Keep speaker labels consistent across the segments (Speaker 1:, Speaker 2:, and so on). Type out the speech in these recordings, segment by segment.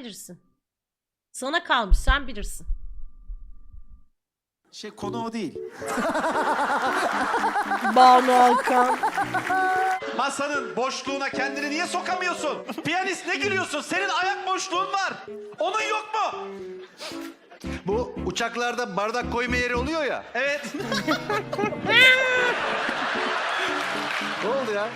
Speaker 1: bilirsin. Sana kalmış, sen bilirsin.
Speaker 2: Konu o değil.
Speaker 1: Banu Alkan.
Speaker 3: Masanın boşluğuna kendini niye sokamıyorsun? Piyanist ne gülüyorsun? Senin ayak boşluğun var. Onun yok mu?
Speaker 4: Bu uçaklarda bardak koyma yeri oluyor ya.
Speaker 3: Evet.
Speaker 4: Ne oldu ya?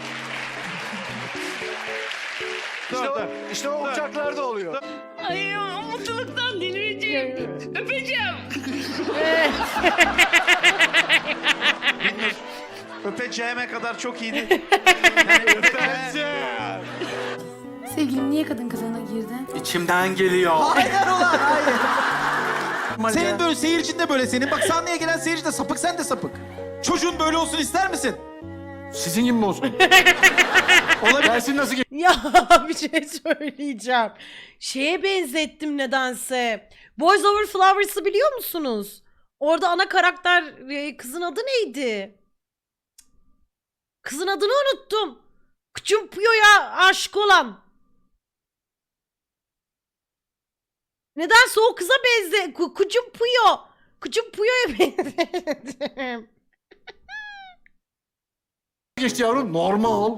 Speaker 4: İşte o
Speaker 3: Dur.
Speaker 4: uçaklarda oluyor.
Speaker 5: Ay mutluluktan delireceğim. Öpeceğim.
Speaker 3: Öpeceğime kadar çok iyiydi.
Speaker 6: Sevgilim niye kadın kılığına girdin?
Speaker 4: İçimden geliyor.
Speaker 2: Hayır ulan hayır. Senin böyle seyircin de böyle senin. Bak sahneye gelen seyirci de sapık, sen de sapık. Çocuğun böyle olsun ister misin?
Speaker 4: Sizin gibi mi olsun? Gelsin nasıl
Speaker 1: Ya bir şey söyleyeceğim. Şeye benzettim nedense. Boys Over Flowers'ı biliyor musunuz? Orada ana karakter kızın adı neydi? Kızın adını unuttum. Küçüm Puyo'ya aşık olan. Nedense o kıza Küçüm Puyo. Küçüm Puyo'ya benzettim.
Speaker 4: geçti yavrum? Normal.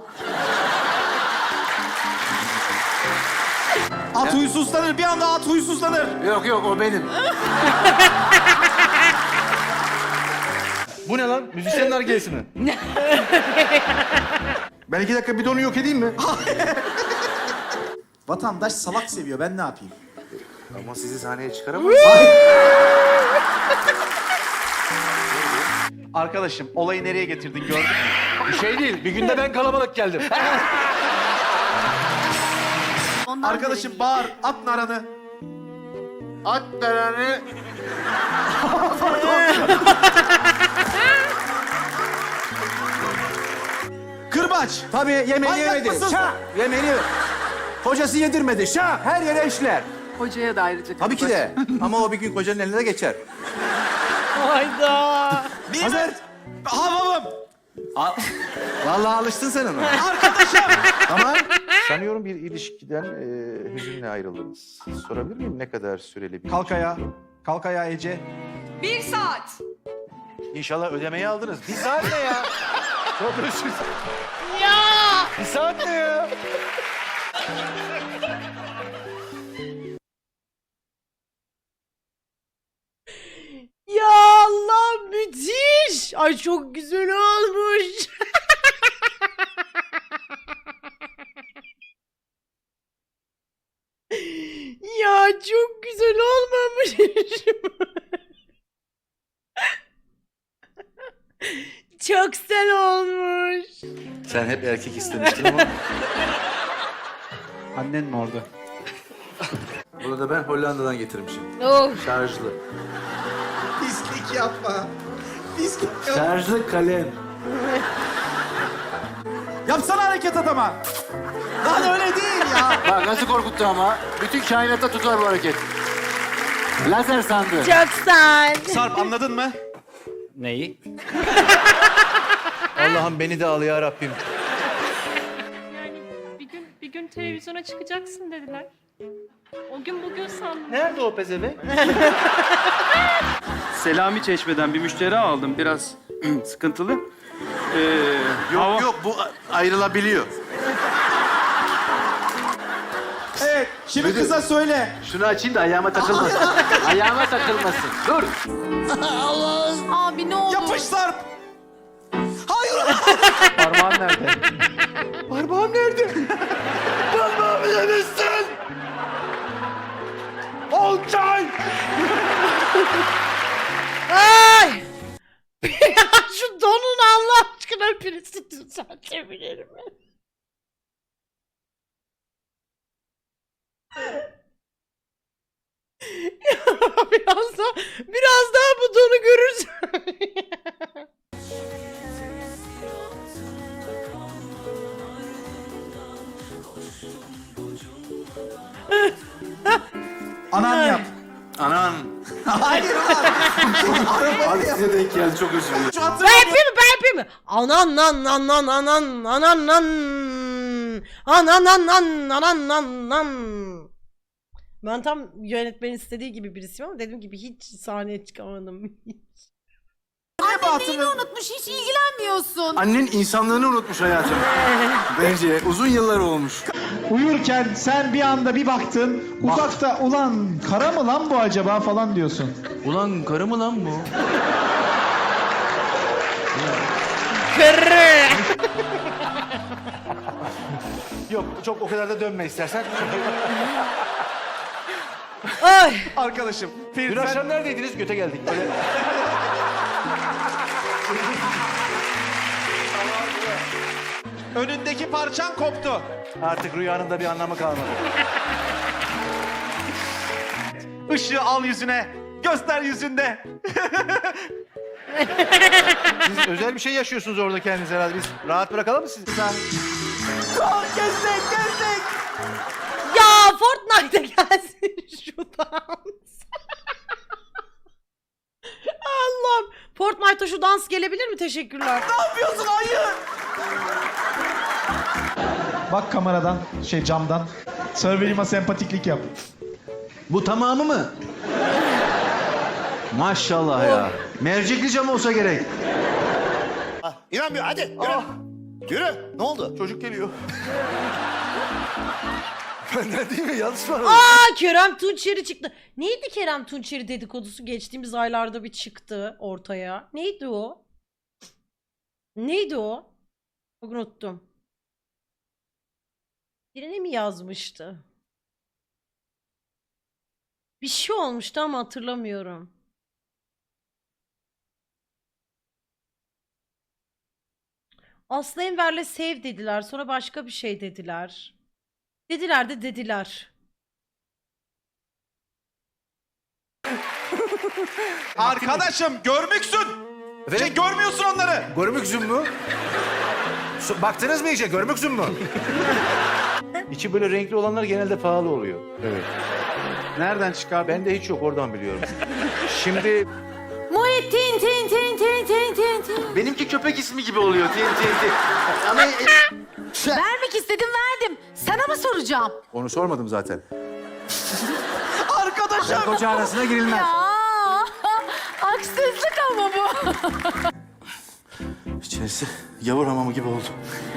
Speaker 2: At huysuzlanır, bir anda at huysuzlanır.
Speaker 4: Yok o benim. Bu ne lan? Müzisyenler gelsin mi? Ben 2 dakika bidonu yok edeyim mi?
Speaker 2: Vatandaş salak seviyor, ben ne yapayım?
Speaker 4: Ama sizi sahneye çıkaramam.
Speaker 3: Arkadaşım olayı nereye getirdin gördün mü?
Speaker 4: Bir şey değil. Bir günde ben kalabalık geldim.
Speaker 2: Arkadaşım bağır, at naranı.
Speaker 4: At naranı.
Speaker 2: Kırbaç.
Speaker 7: Tabii yemeğini
Speaker 2: Manyak
Speaker 7: yemedi.
Speaker 2: mısın?
Speaker 7: Şah! Yemeğini Kocası yedirmedi. Şah! Her yere işler.
Speaker 6: Hocaya da ayrıca
Speaker 7: Tabii ki de. Ama o bir gün kocanın eline de geçer.
Speaker 1: Hayda.
Speaker 2: Hazır. Havamım.
Speaker 7: Vallahi alıştın sen ona.
Speaker 2: Arkadaşım.
Speaker 7: Tamam.
Speaker 8: Sanıyorum bir ilişkiden hüzünle ayrıldınız. Sorabilir miyim ne kadar süreli bir
Speaker 2: Kalk ayağa. Kalk ayağa Ece.
Speaker 5: 1 saat.
Speaker 4: İnşallah ödemeyi aldınız. Bir saat ne ya? Çok özür dilerim.
Speaker 1: Ya.
Speaker 4: Bir saat ne ya?
Speaker 1: Ya Allah müthiş. Ay çok güzel olmuş. Ya çok güzel olmamış. Çok güzel olmuş.
Speaker 4: Sen hep erkek istemiştin ama.
Speaker 2: Annen mi orada?
Speaker 4: Bunu da ben Hollanda'dan getirmişim.
Speaker 1: Oh.
Speaker 4: Şarjlı.
Speaker 2: Pislik yapma. Pislik yapma.
Speaker 4: Şarjlı kalem.
Speaker 2: Yapsana hareket adama. Lan öyle değil ya.
Speaker 4: Bak nasıl korkuttu ama. Bütün kainatta tutar bu hareket. Lazer sandı.
Speaker 1: Çok güzel.
Speaker 3: Sarp anladın mı?
Speaker 7: Neyi? Allah'ım beni de al ya Rabbim.
Speaker 5: Yani bir gün televizyona çıkacaksın dediler. O gün bugün sandım.
Speaker 4: Nerede o pezevenk?
Speaker 9: Selami Çeşme'den bir müşteri aldım. Biraz sıkıntılı.
Speaker 4: Yok bu ayrılabiliyor.
Speaker 2: Evet, şimdi kıza söyle.
Speaker 4: Şunu açayım da ayağıma takılmasın. Ayağıma takılmasın. Dur.
Speaker 6: Abi ne oldu?
Speaker 2: Yapış Sarp. Hayır.
Speaker 4: Parmağın nerede?
Speaker 2: Parmağım nerede?
Speaker 4: Parmağımı yemişsin. Olcay.
Speaker 1: Ay! Ya şu donun Allah aşkına birisi düzeltebilir mi? Ya biraz daha bu donu görürsün.
Speaker 2: Anan yap.
Speaker 4: Anan.
Speaker 2: Hayır ulan.
Speaker 4: Abi size denk geldi çok özür dilerim.
Speaker 2: Şu hatırı-
Speaker 1: Ben yapayım mı? Ben yapayım mı? Anan nan nan nan anan anan nan anan nan nan anan nan nan Ben tam yönetmenin istediği gibi birisiyim ama dediğim gibi hiç sahneye çıkamadım.
Speaker 6: Neyini unutmuş hiç ilgilenmiyorsun.
Speaker 7: Annen insanlığını unutmuş hayatım. Bence uzun yıllar olmuş.
Speaker 2: Uyurken sen bir anda bir baktın uzakta ulan kara mı lan bu acaba falan diyorsun.
Speaker 7: Ulan karı mı lan bu?
Speaker 1: Kırı.
Speaker 7: Yok çok o kadar da dönme istersen.
Speaker 1: Ay.
Speaker 3: Arkadaşım.
Speaker 7: Dün akşam neredeydiniz? Göte geldik. Böyle...
Speaker 3: Önündeki parçan koptu.
Speaker 7: Artık rüyanın da bir anlamı kalmadı.
Speaker 3: Işığı al yüzüne. Göster yüzünde.
Speaker 7: Siz özel bir şey yaşıyorsunuz orada kendiniz herhalde. Biz rahat bırakalım mı sizi?
Speaker 1: Ya Fortnite'a gelsin şu dans. Allah'ım. Fortnite'a şu dans gelebilir mi? Teşekkürler.
Speaker 2: Bak kameradan camdan. Surveyor'ıma sempatiklik yap.
Speaker 7: Bu tamamı mı? Maşallah ya. Mercekli cam olsa gerek.
Speaker 10: İnanmıyor hadi yürü. Yürü. Ne oldu?
Speaker 7: Çocuk geliyor. Benden değil mi? Yanlış mı?
Speaker 1: Aa, Kerem Tunçeri çıktı. Neydi Kerem Tunçeri dedikodusu geçtiğimiz aylarda bir çıktı ortaya. Neydi o? Neydi o? Çok unuttum. Birine mi yazmıştı? Bir şey olmuştu ama hatırlamıyorum. Aslı Enver'le sev dediler. Sonra başka bir şey dediler. Dediler de dediler.
Speaker 3: Arkadaşım görmüksün. Görmüyorsun onları.
Speaker 7: Görmük zümmü. Baktınız mı iyice? Görmük zümmü. İçi böyle renkli olanlar genelde pahalı oluyor. Evet.
Speaker 8: Nereden çıkar?
Speaker 7: Bende hiç yok, oradan biliyorum. Şimdi
Speaker 6: Muhittin tin tin tin tin tin tin.
Speaker 7: benimki köpek ismi gibi oluyor. Ama
Speaker 6: Vermek istedim verdim. Sana mı soracağım?
Speaker 7: onu sormadım zaten.
Speaker 3: Arkadaşım.
Speaker 7: Koca arasına girilmez.
Speaker 6: Ya haksızlık ama bu.
Speaker 7: İçerisi yavur hamamı gibi oldu.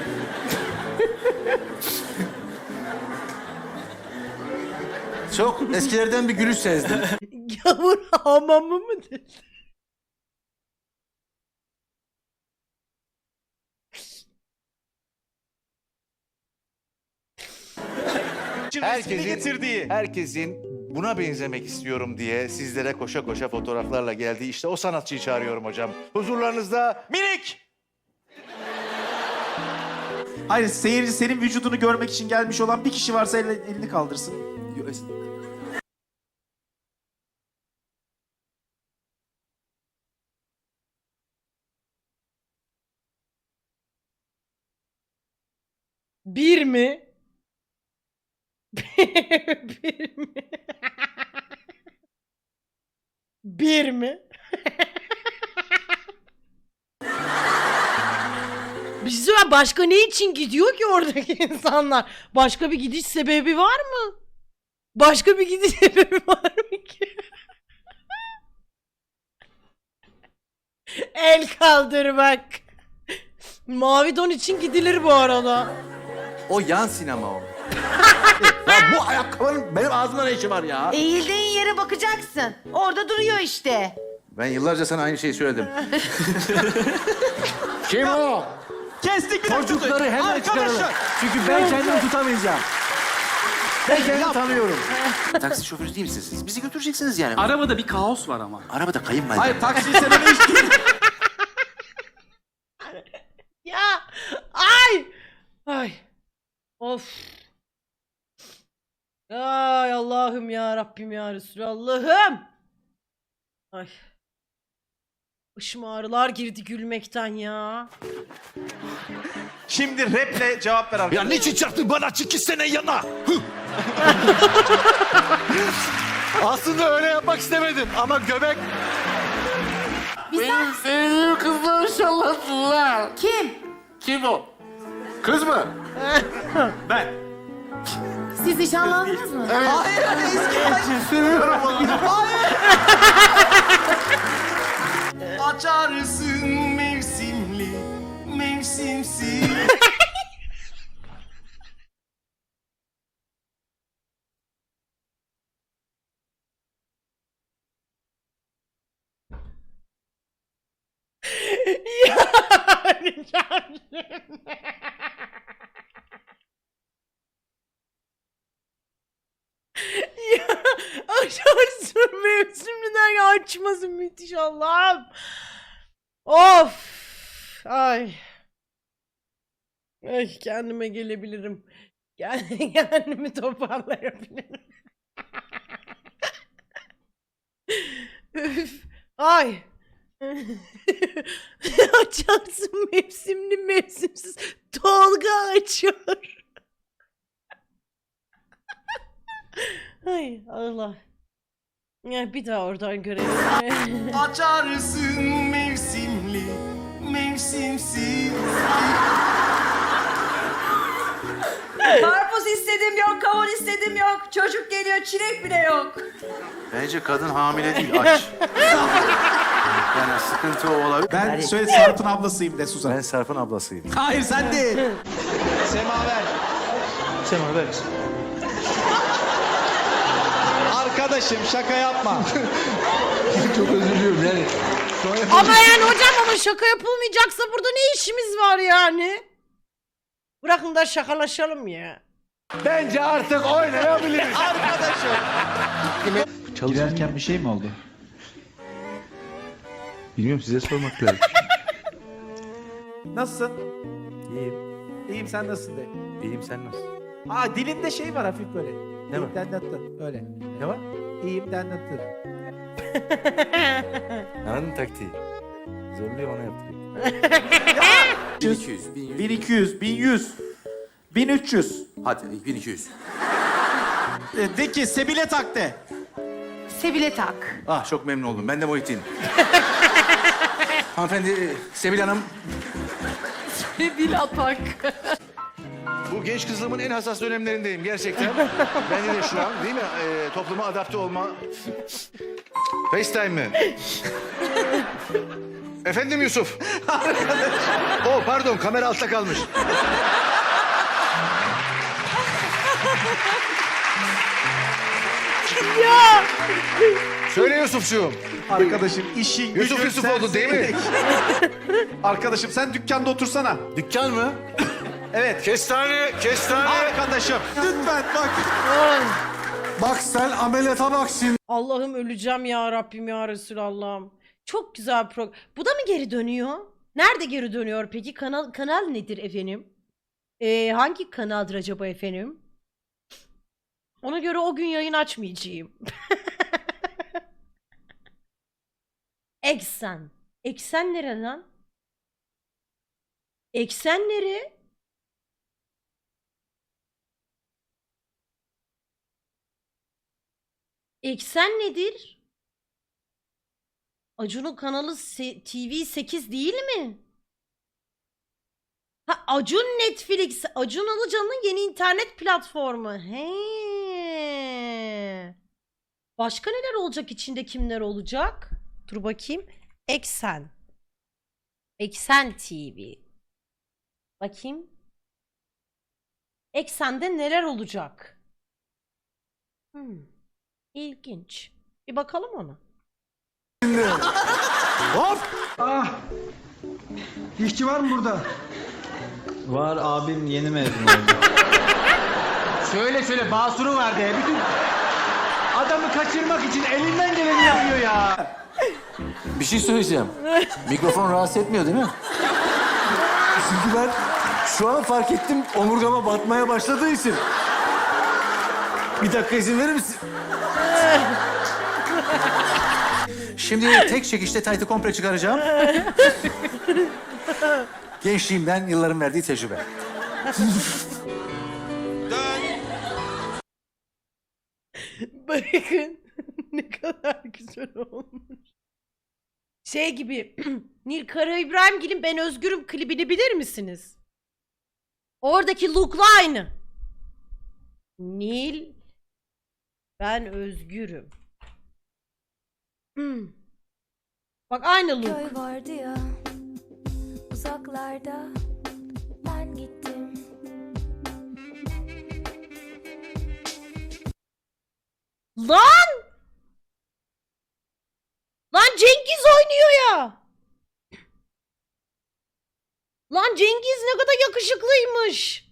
Speaker 7: Çok eskilerden bir gülüş sezdim.
Speaker 1: Gavur hamamı mı dedi?
Speaker 7: Herkesin buna benzemek istiyorum diye sizlere koşa koşa fotoğraflarla geldiği işte o sanatçıyı çağırıyorum hocam. Huzurlarınızda
Speaker 3: Minik.
Speaker 2: Hayır seyirci senin vücudunu görmek için gelmiş olan bir kişi varsa elini kaldırsın.
Speaker 1: Bir mi? Bir mi? Bir mi? Biz başka ne için gidiyor ki oradaki insanlar? Başka bir gidiş sebebi var mı? Başka bir gidiş sebebi var mı ki? El kaldırmak. Mavi don için gidilir bu arada.
Speaker 7: o yan sinema o. Ya bu ayakkabının benim ağzımda ne işi var ya?
Speaker 6: Eğildiğin yere bakacaksın. Orada duruyor işte.
Speaker 7: Ben yıllarca sana aynı şeyi söyledim. Kim o?
Speaker 3: Kestik bir dakika.
Speaker 7: Çocukları hemen çıkaralım. Çünkü ben kendimi tutamayacağım. Ben kendimi tanıyorum. Taksi şoförü değil misiniz siz? Bizi götüreceksiniz yani.
Speaker 9: Arabada bir kaos var ama.
Speaker 7: Arabada kayınvalide.
Speaker 3: Hayır taksiyi sen öyle içtin.
Speaker 1: Ya ay ay of ay Allah'ım ya Rabbim ya Resulallah'ım ay başıma ağrılar girdi gülmekten ya.
Speaker 3: Şimdi raple cevap ver arkadaşım.
Speaker 10: niçin çarptın bana 2 sene yana?
Speaker 7: Aslında öyle yapmak istemedim ama göbek...
Speaker 4: Benim sevdiğim kızlar inşallah.
Speaker 6: Kim?
Speaker 4: Kim o? Kız mı?
Speaker 3: Ben.
Speaker 6: Siz nişanlandınız mı?
Speaker 10: Açarsın mevsimli, mevsimsiz.
Speaker 1: Yani ya açarsın mevsimden açmasın müthiş Allah'ım. Of. Ay. Ay kendime gelebilirim. Kendimi toparlayabilirim. Üf. Ay. Açarsın mevsimli mevsimsiz. Tolga açıyor. Ay Allah. Ya bir daha oradan görelim.
Speaker 10: Açarsın mevsimli, mevsimsiz.
Speaker 6: Karpuz istedim yok, kavun istedim yok. Çocuk geliyor, çilek bile yok.
Speaker 7: Bence kadın hamile değil, aç. Yani sıkıntı o olabilir.
Speaker 2: Ben söyle Sarp'ın ablasıyım de Suzan.
Speaker 7: Ben Sarp'ın ablasıyım.
Speaker 2: Hayır sen değil.
Speaker 3: Semaver. Semaver. Arkadaşım şaka yapma.
Speaker 1: Ama yani hocam ama şaka yapılmayacaksa burada ne işimiz var yani? Bırakın da şakalaşalım ya.
Speaker 10: Bence artık oynayabiliriz.
Speaker 2: Girerken bir şey mi oldu?
Speaker 8: Bilmiyorum, size sormak lazım.
Speaker 2: Nasılsın? İyiyim. İyiyim, sen nasılsın de.
Speaker 8: İyiyim, sen nasılsın?
Speaker 2: Aa dilinde şey var hafif böyle.
Speaker 8: Ne var?
Speaker 2: Dendattın öyle.
Speaker 8: Ne var?
Speaker 2: İyiyim dendattın.
Speaker 8: Anladın taktiği. Zorluyor, ona yaptırayım.
Speaker 4: 1200,
Speaker 2: 1200, 1100, 1300.
Speaker 4: hadi 1200.
Speaker 2: De ki Sebile tak de.
Speaker 6: Sebile tak.
Speaker 7: Ah, çok memnun oldum. Ben de Muhittin. Hanımefendi, Sebil Hanım.
Speaker 6: Sebile tak.
Speaker 7: Bu genç kızlığımın en hassas dönemlerindeyim gerçekten. Bende de şu an değil mi? Topluma adapte olma. FaceTime mi? Efendim Yusuf. Oh pardon, kamera altta kalmış.
Speaker 1: Ya.
Speaker 7: Söyle Yusufcuğum.
Speaker 2: Arkadaşım işin
Speaker 7: Yusuf
Speaker 2: gücün
Speaker 7: Yusuf oldu değil mi?
Speaker 2: Arkadaşım sen dükkanda otursana.
Speaker 7: Dükkan mı?
Speaker 2: Evet.
Speaker 7: Kestane, kestane.
Speaker 2: Arkadaşım lütfen bak.
Speaker 10: Bak sen ameliyata bak şimdi.
Speaker 1: Allah'ım öleceğim ya Rabbim ya Resulallah'ım. Çok güzel program. Bu da mı geri dönüyor? Nerede geri dönüyor peki? Kanal nedir efendim? Hangi kanaldır acaba efendim? Ona göre o gün yayın açmayacağım. Eksen. Eksen nere lan? Eksen nere? Eksen nedir? Acun'un kanalı TV8 değil mi? Ha Acun Netflix. Acun Ilıcalı'nın yeni internet platformu. He. Başka neler olacak, içinde kimler olacak? Dur bakayım. Eksen. Eksen TV. Bakayım. Eksen'de neler olacak? İlginç. Bir bakalım ona.
Speaker 10: İşçi var mı burada?
Speaker 9: Var abim yeni mezun oldu.
Speaker 10: Söyle basuru var de. Bütün adamı kaçırmak için elinden geleni yapıyor ya.
Speaker 4: Bir şey söyleyeceğim. Mikrofon rahatsız etmiyor değil mi?
Speaker 10: Çünkü ben şu an fark ettim omurgama batmaya başladığı için. Bir dakika izin verir misin?
Speaker 7: Şimdi tek çekişte taytı komple çıkaracağım. Gençliğimden yılların verdiği tecrübe.
Speaker 1: Bakın ne kadar güzel olmuş. Şey gibi Nil Kara İbrahimgil'in Ben Özgürüm klibini bilir misiniz? Oradaki look'la aynı. Nil. Ben özgürüm. Bak aynı look.
Speaker 11: Köy vardı ya uzaklarda, ben gittim.
Speaker 1: Lan! Lan Cengiz oynuyor ya. Lan Cengiz ne kadar yakışıklıymış.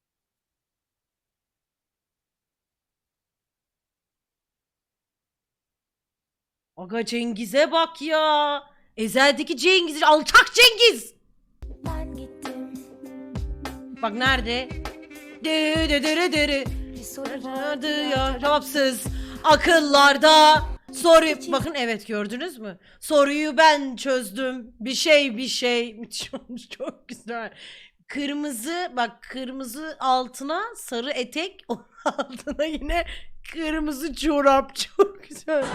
Speaker 1: Aga Cengiz'e bak ya. Ezel'deki Cengiz, alçak Cengiz.
Speaker 11: Ben gittim.
Speaker 1: Bak nerede? Dırı.
Speaker 11: Bir soru vardı
Speaker 1: Vardı
Speaker 11: ya.
Speaker 1: ya Rabsız akıllarda. Soru bakın, evet gördünüz mü? Soruyu ben çözdüm. Bir şey müthiş olmuş, çok güzel. Kırmızı, bak kırmızı altına sarı etek, onun altına yine kırmızı çorap, çok güzel.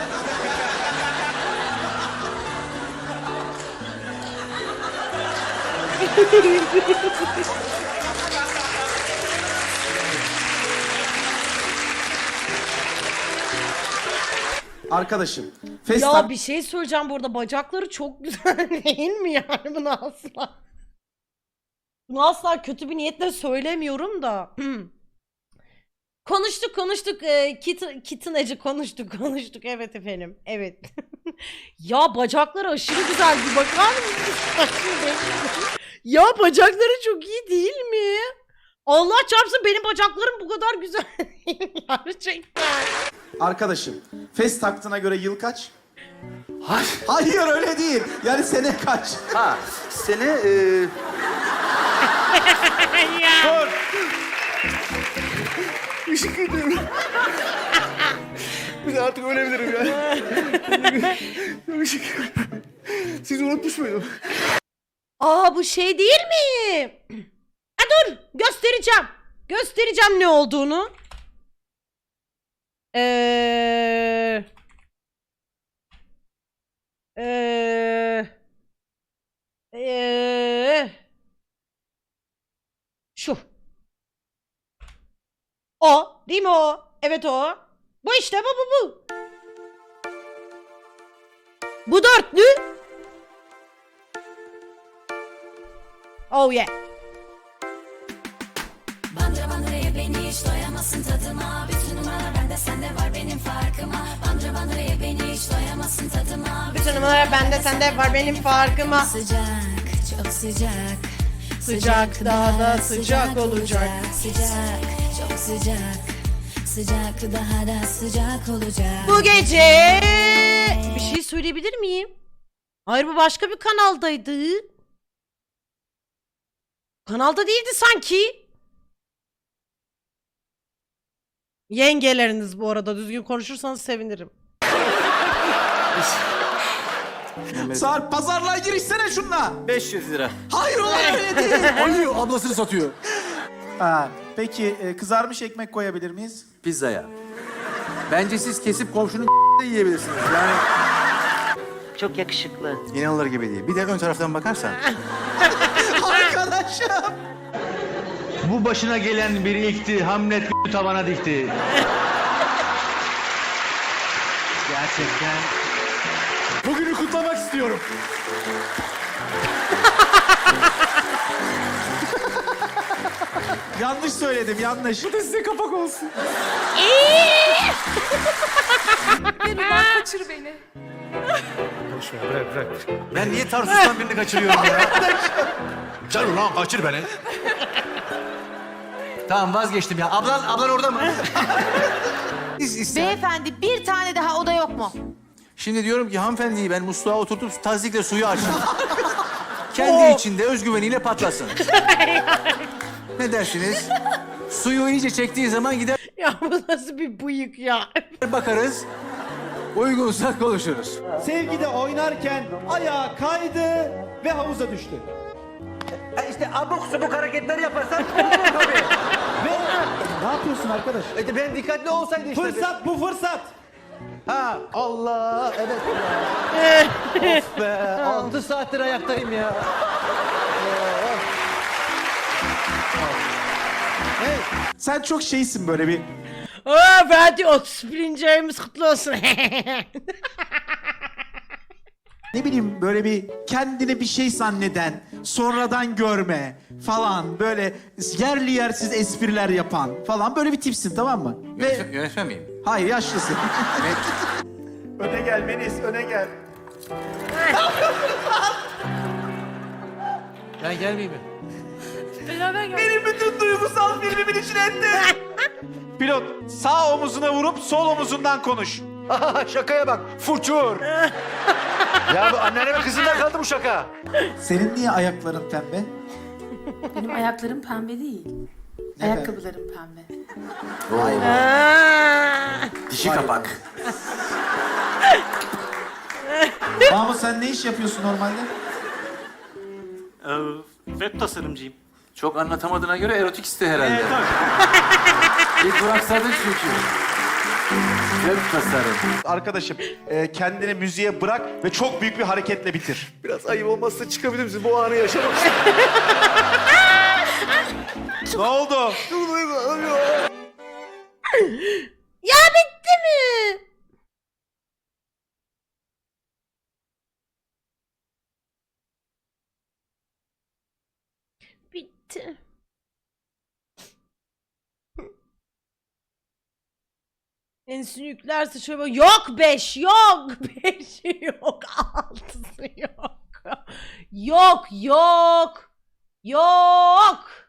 Speaker 2: Arkadaşım.
Speaker 1: Ya bir şey söyleyeceğim, bu arada bacakları çok güzel değil mi yani, bunu asla. Bunu asla kötü bir niyetle söylemiyorum da. Konuştuk. Kitten Ece konuştuk. Evet efendim. Evet. Ya bacakları aşırı güzel, bir bakar mısın? Ya bacakları çok iyi değil mi? Allah çarpsın, benim bacaklarım bu kadar güzel değil gerçekten.
Speaker 2: Arkadaşım. Fes taktığına göre yıl kaç? Hayır öyle değil. Yani sene kaç?
Speaker 8: Ha, sene...
Speaker 10: Bir de artık ölebilirim ya. Siz unutmuş muydum?
Speaker 1: Aa, bu şey değil mi? Ha, dur göstereceğim. Göstereceğim ne olduğunu. Şu. O değil mi o? Evet o. Bu işte, bu. Bu dörtlü. Oh yeah.
Speaker 11: Bandıra bandıraya beni hiç doyamazsın tadıma. Bütün numaralar bende, sende var benim farkıma. Bandıra bandıraya beni hiç doyamazsın tadıma.
Speaker 1: Bütün numaralar bende, sende var benim farkıma.
Speaker 11: Sıcak, çok sıcak.
Speaker 1: Sıcak, daha da sıcak olacak.
Speaker 11: Sıcak, çok sıcak. Sıcak, daha da sıcak olacak.
Speaker 1: Bu gece bir şey söyleyebilir miyim? Hayır, bu başka bir kanaldaydı. Kanalda değildi sanki. Yengeleriniz bu arada, düzgün konuşursanız sevinirim.
Speaker 2: Sarp pazarlığa girişsene şunla.
Speaker 10: 500 lira.
Speaker 2: Hayır ulan öyle değil.
Speaker 10: Alıyor, ablasını satıyor.
Speaker 2: Ha, peki kızarmış ekmek koyabilir miyiz?
Speaker 10: Pizzaya. Bence siz kesip komşunun de yiyebilirsiniz. Yani
Speaker 6: Çok yakışıklı.
Speaker 7: İnanılır gibi değil. Bir de ön taraftan bakarsan.
Speaker 2: Arkadaşım.
Speaker 7: Bu başına gelen bir ilkti. Hamlet tavana dikti. Gerçekten.
Speaker 10: bugünü kutlamak istiyorum.
Speaker 2: Yanlış söyledim, yanlış.
Speaker 10: Bu da size kapak olsun.
Speaker 5: Kaçır beni.
Speaker 7: Ben niye Tarsus'tan birini kaçırıyorum ya? Sen ulan kaçır beni. Tamam vazgeçtim ya. Ablan orada mı?
Speaker 6: Beyefendi, bir tane daha oda yok mu?
Speaker 7: Şimdi diyorum ki hanımefendiyi ben musluğa oturtup tazikle suyu açtım. Kendi içinde özgüveniyle patlasın. Ne dersiniz? Suyu iyice çektiği zaman gider
Speaker 1: Ya bu nasıl bir bıyık ya?
Speaker 7: bakarız. Uygunsa konuşuruz.
Speaker 10: Sevgide oynarken ayağa kaydı ve havuza düştü.
Speaker 12: İşte abuk subuk hareketler yaparsan olur tabii.
Speaker 10: Ve ne yapıyorsun arkadaş?
Speaker 12: Ben dikkatli olsaydı işte.
Speaker 10: Fırsat bu fırsat.
Speaker 12: Ha Allah evet ya. Of be 6 saattir ayaktayım ya.
Speaker 2: Sen çok şeysin böyle bir.
Speaker 1: Aa Fatih 31. ayımız kutlu olsun.
Speaker 2: Ne bileyim böyle bir kendini bir şey zanneden, sonradan görme falan böyle yerli yersiz espriler yapan falan böyle bir tipsin, tamam mı?
Speaker 7: Yönetmen miyim?
Speaker 2: Hayır, yaşlısın.
Speaker 3: Öne gel Melis, öne gel.
Speaker 7: Ben gelmeyeyim mi?
Speaker 5: Beraber gel.
Speaker 3: Benim bütün duygusal filmimin içine etti. Pilot, sağ omuzuna vurup sol omuzundan konuş.
Speaker 12: Şakaya bak. Fuçur. Ya bu anneannemin kızından kaldı bu şaka.
Speaker 2: Senin niye ayakların pembe?
Speaker 6: Benim ayaklarım pembe değil. Ayakkabılarım pembe.
Speaker 10: Dişi kapak.
Speaker 2: Mahmut sen ne iş yapıyorsun normalde?
Speaker 9: Web tasarımcıyım.
Speaker 7: Çok anlatamadığına göre erotik iste herhalde.
Speaker 9: Evet abi.
Speaker 7: Bir duraksadın çünkü. Web tasarım.
Speaker 3: Arkadaşım, kendini müziğe bırak ve çok büyük bir hareketle bitir.
Speaker 12: Biraz ayıp olmazsa çıkabilir misin? Bu anı yaşamak
Speaker 3: Ne oldu?
Speaker 1: Ya bitti mi? Bitti. Ensin yüklerse şöyle bak. Yok 5 yok. 5 yok. 6'sı yok. Yok yok. Yok.